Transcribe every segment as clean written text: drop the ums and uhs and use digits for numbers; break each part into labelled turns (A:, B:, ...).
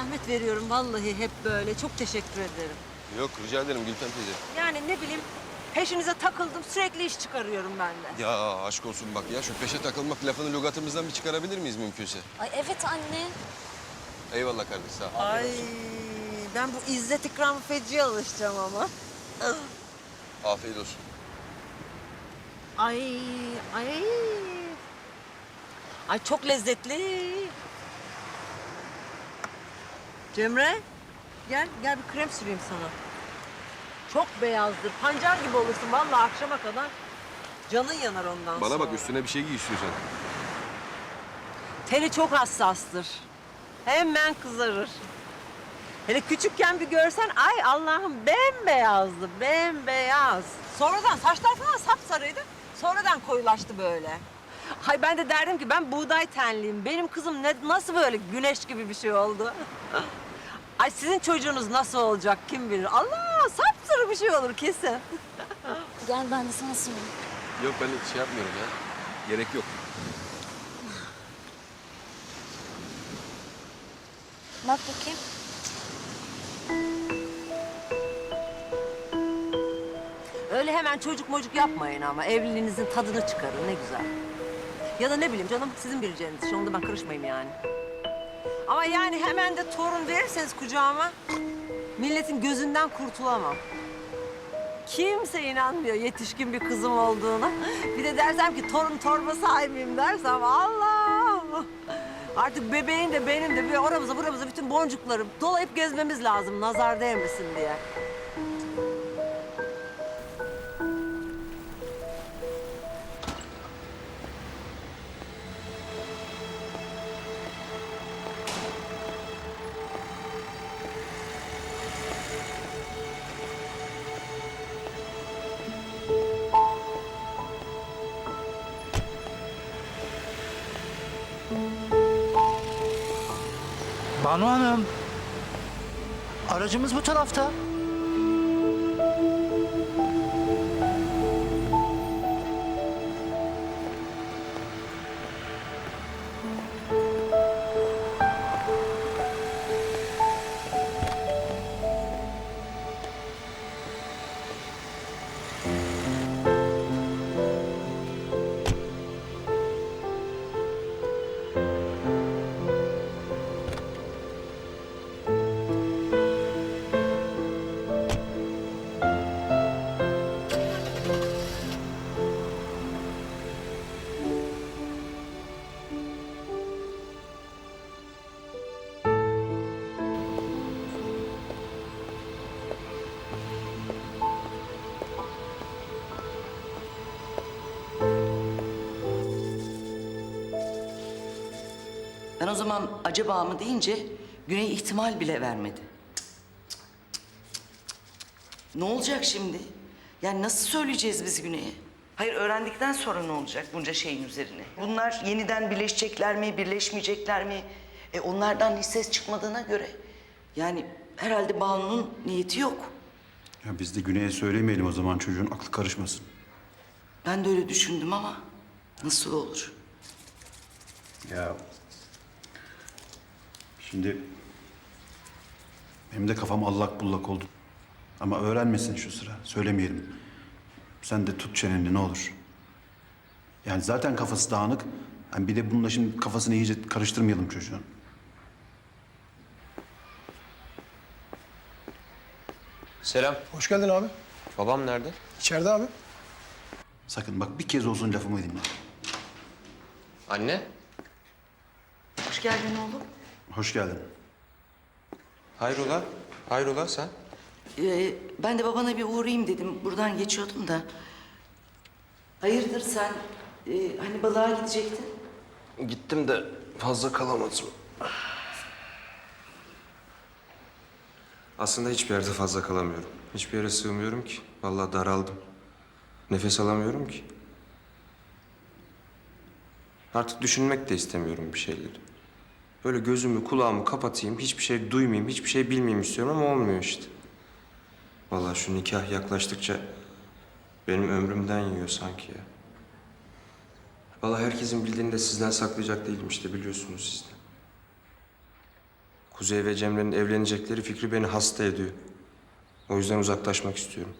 A: zahmet veriyorum vallahi hep böyle. Çok teşekkür ederim.
B: Yok rica ederim Gülfem teyze.
A: Yani ne bileyim peşinize takıldım sürekli iş çıkarıyorum ben de.
B: Ya aşk olsun bak ya şu peşe takılmak lafını lügatımızdan bir çıkarabilir miyiz mümkünse?
C: Ay evet anne.
B: Eyvallah kardeş sağ ol.
A: Ay ben bu İzzet İkram feciye alışacağım ama.
B: Afiyet olsun.
A: Ay ay. Ay çok lezzetli. Cemre gel bir krem süreyim sana. Çok beyazdır. Pancar gibi olursun vallahi akşama kadar. Canın yanar ondan
B: Bana
A: sonra.
B: bak üstüne bir şey giy istiyorsan.
A: Teli çok hassastır. Hemen kızarır. Hele küçükken bir görsen ay Allah'ım bembeyazdı, bembeyaz. Sonradan saçlar falan sapsarıydı. Sonradan koyulaştı böyle. Ay ben de derdim ki ben buğday tenliyim. Benim kızım nasıl böyle güneş gibi bir şey oldu? Ay sizin çocuğunuz nasıl olacak kim bilir. Allah sapsarı bir şey olur kesin.
C: Gel ben de sana sorayım.
B: Yok ben şey yapmıyorum ya. Gerek yok.
C: Bak bakayım.
A: Öyle hemen çocuk mocuk yapmayın ama evliliğinizin tadını çıkarın ne güzel. Ya da ne bileyim canım sizin bileceğiniz iş onda ben karışmayayım yani. Ama yani hemen de torun verirseniz kucağıma milletin gözünden kurtulamam. Kimse inanmıyor yetişkin bir kızım olduğuna. Bir de dersem ki torun torba sahibiyim dersem Allah! Artık bebeğin de benim de bir oramıza buramıza bütün boncukları dolayıp gezmemiz lazım nazar değmesin diye.
D: Banu Hanım. Aracımız bu tarafta.
E: Ben o zaman acaba mı deyince Güney ihtimal bile vermedi. Ne olacak şimdi? Yani nasıl söyleyeceğiz biz Güney'e? Hayır öğrendikten sonra ne olacak bunca şeyin üzerine? Bunlar yeniden birleşecekler mi, birleşmeyecekler mi? Onlardan hiç ses çıkmadığına göre yani herhalde Banu'nun niyeti yok.
F: Ya biz de Güney'e söylemeyelim o zaman çocuğun aklı karışmasın.
E: Ben de öyle düşündüm ama nasıl olur?
F: Ya şimdi benim de kafam allak bullak oldu. Ama öğrenmesin şu sıra. Söylemeyelim. Sen de tut çeneni ne olur. Yani zaten kafası dağınık. Yani bir de bununla şimdi kafasını iyice karıştırmayalım çocuğun.
B: Selam.
G: Hoş geldin abi.
B: Babam nerede?
G: İçeride abi.
F: Sakın bak bir kez olsun lafımı dinle.
B: Anne.
E: Hoş geldin oğlum.
F: Hoş geldin.
B: Hayrola? Hayrola sen?
E: Ben de babana bir uğrayayım dedim. Buradan geçiyordum da. Hayırdır sen hani balığa gidecektin?
B: Gittim de fazla kalamadım. Aslında hiçbir yerde fazla kalamıyorum. Hiçbir yere sığmıyorum ki. Vallahi daraldım. Nefes alamıyorum ki. Artık düşünmek de istemiyorum bir şeyleri. Böyle gözümü, kulağımı kapatayım, hiçbir şey duymayayım, hiçbir şey bilmeyeyim istiyorum ama olmuyor işte. Vallahi şu nikah yaklaştıkça benim ömrümden yiyor sanki ya. Vallahi herkesin bildiğini de sizden saklayacak değilim işte biliyorsunuz siz de. Kuzey ve Cemre'nin evlenecekleri fikri beni hasta ediyor. O yüzden uzaklaşmak istiyorum.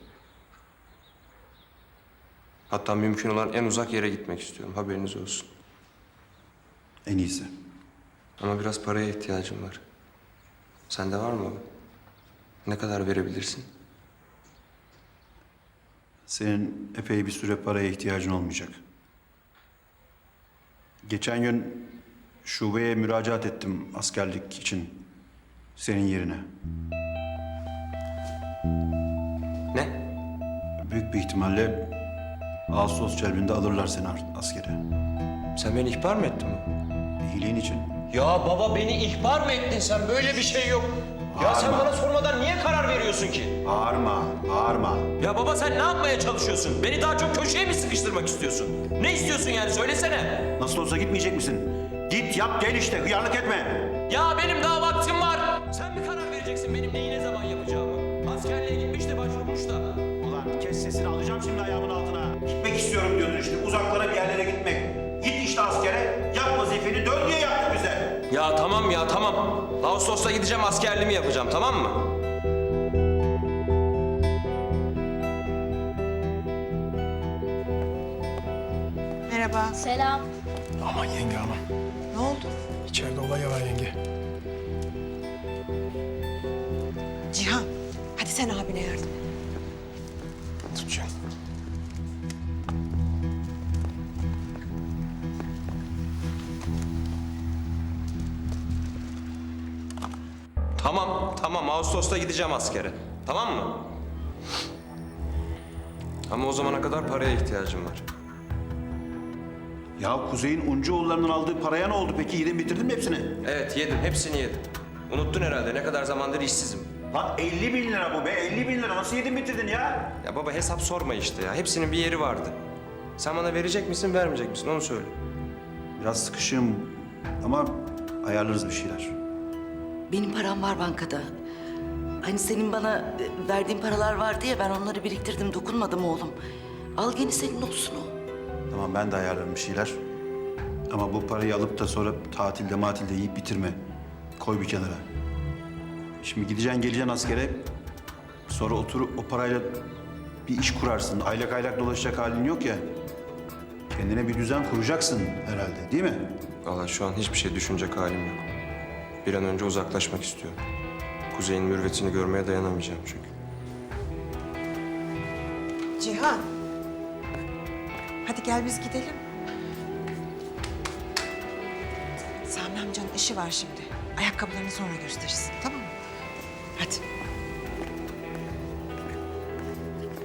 B: Hatta mümkün olan en uzak yere gitmek istiyorum. Haberiniz olsun.
F: En iyisi.
B: Ama biraz paraya ihtiyacım var. Sende var mı? Ne kadar verebilirsin?
F: Senin epey bir süre paraya ihtiyacın olmayacak. Geçen gün şubeye müracaat ettim askerlik için. Senin yerine.
B: Ne?
F: Büyük bir ihtimalle Ağustos celbinde alırlar seni askere.
B: Sen beni ihbar mı ettin mi?
F: İyiliğin için.
D: Ya baba beni ihbar mı ettin sen? Böyle bir şey yok. Ya sen bana sormadan niye karar veriyorsun ki?
F: Bağırma, bağırma.
D: Ya baba sen ne yapmaya çalışıyorsun? Beni daha çok köşeye mi sıkıştırmak istiyorsun? Ne istiyorsun yani söylesene.
F: Nasıl olsa gitmeyecek misin? Git yap gel işte, hıyarlık etme.
D: Ya benim daha vaktim var. Sen mi karar vereceksin benim neyi ne zaman yapacağımı? Askerliğe gitmiş de başvurmuş da.
F: Ulan kes sesini, alacağım şimdi ayağımın altına. Gitmek istiyorum diyordun işte, uzaklara bir yerlere gitmek. Git işte askere, yap vazifeni, dön diye yaptık bize.
D: Ya tamam ya tamam. Ağustos'ta gideceğim askerliğimi yapacağım tamam mı?
G: Merhaba.
C: Selam.
H: Aman yenge aman.
G: Ne oldu?
H: İçeride olay var yenge.
G: Cihan, hadi sen abine yardım et.
H: Tutacağım.
B: Tamam. Ağustos'ta gideceğim askere. Tamam mı? Ama o zamana kadar paraya ihtiyacım var.
F: Ya Kuzey'in Uncuoğulları'nın aldığı paraya ne oldu peki? Yedin bitirdin mi hepsini?
B: Evet yedim. Hepsini yedim. Unuttun herhalde ne kadar zamandır işsizim.
F: Lan 50 bin lira bu be, 50 bin lira. Nasıl yedin bitirdin ya?
B: Ya baba hesap sorma işte ya. Hepsinin bir yeri vardı. Sen bana verecek misin, vermeyecek misin? Onu söyle.
F: Biraz sıkışığım ama ayarlarız bir şeyler.
E: Benim param var bankada. Hani senin bana verdiğin paralar vardı ya, ben onları biriktirdim, dokunmadım oğlum. Al gene senin olsun o.
F: Tamam ben de ayarlarım bir şeyler. Ama bu parayı alıp da sonra tatilde matilde yiyip bitirme. Koy bir kenara. Şimdi gideceksin geleceksin askere. Sonra oturup o parayla bir iş kurarsın. Aylak aylak dolaşacak halin yok ya. Kendine bir düzen kuracaksın herhalde değil mi?
B: Vallahi şu an hiçbir şey düşünecek halim yok. Bir an önce uzaklaşmak istiyorum. Kuzey'in mürvetini görmeye dayanamayacağım çünkü.
G: Cihan. Hadi gel biz gidelim. Sami amcanın işi var şimdi. Ayakkabılarını sonra gösterirsin, tamam mı? Hadi.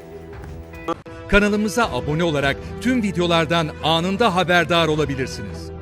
I: Kanalımıza abone olarak tüm videolardan anında haberdar olabilirsiniz.